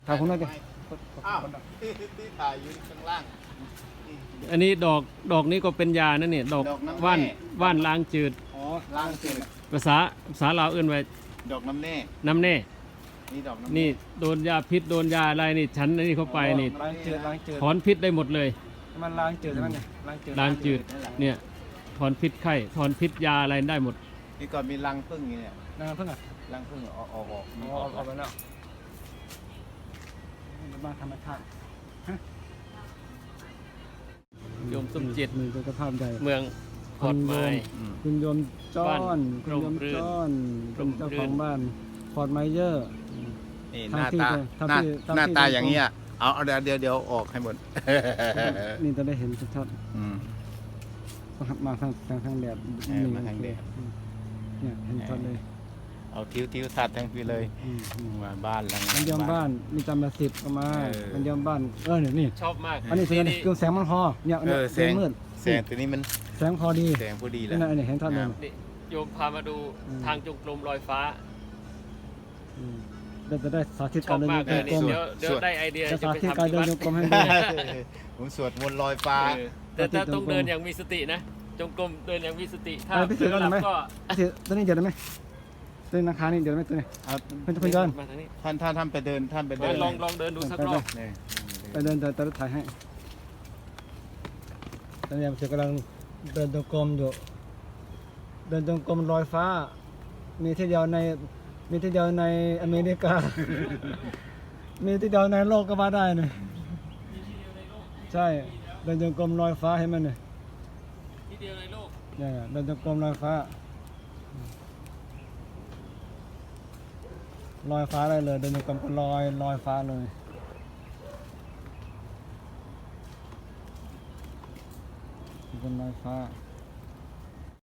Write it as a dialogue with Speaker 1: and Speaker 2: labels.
Speaker 1: ถ่ายผมหน่อยดิ
Speaker 2: อ้าวที่ถ่ายอยู่ข้างล่าง
Speaker 3: อันนี้ดอกนี้ก็เป็นยานะเนี่ยดอก
Speaker 2: ดอกน้ำแน่
Speaker 3: ว่านล้างจืด
Speaker 1: อ๋อ
Speaker 2: ล่างเจ็ด
Speaker 3: ภาษาลาวเอื้นไว้
Speaker 2: ดอกน้ำแน่
Speaker 3: น้ำแน่
Speaker 2: นี่ดอกน้ำแ
Speaker 3: นี่โดนยาพิษโดนยาอะไรนี่ฉันอันนี้เข้าไปนี่
Speaker 1: ล้างจืดล้างจืด
Speaker 3: ถอนพิษได้หมดเลย
Speaker 1: มันล้างจืดใช่ไหมเนี่ยล้างจืด
Speaker 3: ล้างจืดเนี่ยถอนพิษไข้ถอนพิษยาอะไรได้หมด
Speaker 2: นี่ก่อนมีรังผึ้งอย่างเนี่ย
Speaker 1: น้ำเพิ่งอ่ะ
Speaker 2: รังผึ้งออก
Speaker 1: อ๋อเอาไปแล้วมาธรรมชาติ
Speaker 3: โยมสมจิต
Speaker 1: มีสุขภาพใหญ่
Speaker 3: เมืองขอดไม้
Speaker 1: คุณโยมจ้อนคุณโยมจ้อน
Speaker 3: ร่
Speaker 1: เป็น
Speaker 3: มรื่น
Speaker 1: เจ้าของบ้านพอร์ตไมเยอร์
Speaker 2: นี่ห
Speaker 1: ทำ
Speaker 2: น้า
Speaker 1: ที่
Speaker 2: ตา
Speaker 1: ทำ
Speaker 2: หน้า
Speaker 1: ที่ทำที่
Speaker 2: หน้าตา
Speaker 1: ตรง
Speaker 2: อย่างเงี้ยเอาเดี๋ยวออกให้หมด
Speaker 1: นี่จะได้เห็นชัด
Speaker 2: อืม
Speaker 1: ๆมาทางแดด
Speaker 2: มาทางแดด
Speaker 1: เนี่ยเห็นชัดเลย
Speaker 2: เอาทิวทัดทั้งปีเลยมาบ้านหลัง
Speaker 1: มันยอมบ้านมีจำมา10ก็มา มันยอมบ้านเนี่ยนี่
Speaker 3: ชอบมาก
Speaker 1: อันนี้คือเครื่องแสงมันพอเนี่ย
Speaker 2: แสง
Speaker 1: มืด
Speaker 2: แสงตัวนี้มัน
Speaker 1: แสงพอดี
Speaker 2: แสงพอดีแล้
Speaker 1: นี่
Speaker 2: ว
Speaker 1: นะอันนี้เห็นชัดเลย
Speaker 3: นี่โยมพามาดูทางจงกรมลอยฟ้า
Speaker 1: เราจะได้สาธิต
Speaker 3: ช
Speaker 1: กา
Speaker 3: อ
Speaker 1: ร
Speaker 3: บ
Speaker 1: เดิน
Speaker 3: มาก
Speaker 1: โย
Speaker 3: เลย
Speaker 1: กร
Speaker 3: นี่
Speaker 1: ม
Speaker 3: เดี๋ยวได้ไอเดีย
Speaker 1: จะ
Speaker 3: จะ
Speaker 1: สา
Speaker 3: ไป
Speaker 1: ธิต
Speaker 3: ทำ
Speaker 1: การ
Speaker 3: ที่
Speaker 1: เดิน
Speaker 3: บ้าน
Speaker 1: โยกรมให้ดู
Speaker 2: ผมสวดมนต์ลอยฟ้า
Speaker 3: แต่ถ้าต้องเดินอย่างมีสตินะ จงกรมเดินอย่างมีสติ ถ้า
Speaker 1: ไปพิสูจน์กันหน่อยไหม
Speaker 3: ก็
Speaker 1: ตัวนี้เดี๋ยวได้ไหมตัวนี้ราคานี่เดี๋ยวได้ไหมตัวนี้
Speaker 2: เอา
Speaker 1: เพื่อนย้อน
Speaker 3: มาทางนี้
Speaker 2: ท่านไปเดินท่านไปเดิน
Speaker 3: ลองเดินดูสักรอบ
Speaker 2: เนี่ย
Speaker 1: ไปเดินแต่รถถ่ายให้ตอนนี้ผมกำลังเดินจงกรมอยู่เดินจงกรมลอยฟ้า มีที่เดียวในอเมริกา มีที่เดียวในโลกก็ว่าได้เนี่ยใช่เดินจงกรมลอยฟ้าเห็นไหมเนี่ย
Speaker 3: ที่เดียวในโลก
Speaker 1: เนี่ยเดินจงกรมลอยฟ้าลอยฟ้าได้เลยเดินจงกรมก็ลอยฟ้าเลยเป็นลอยฟ้า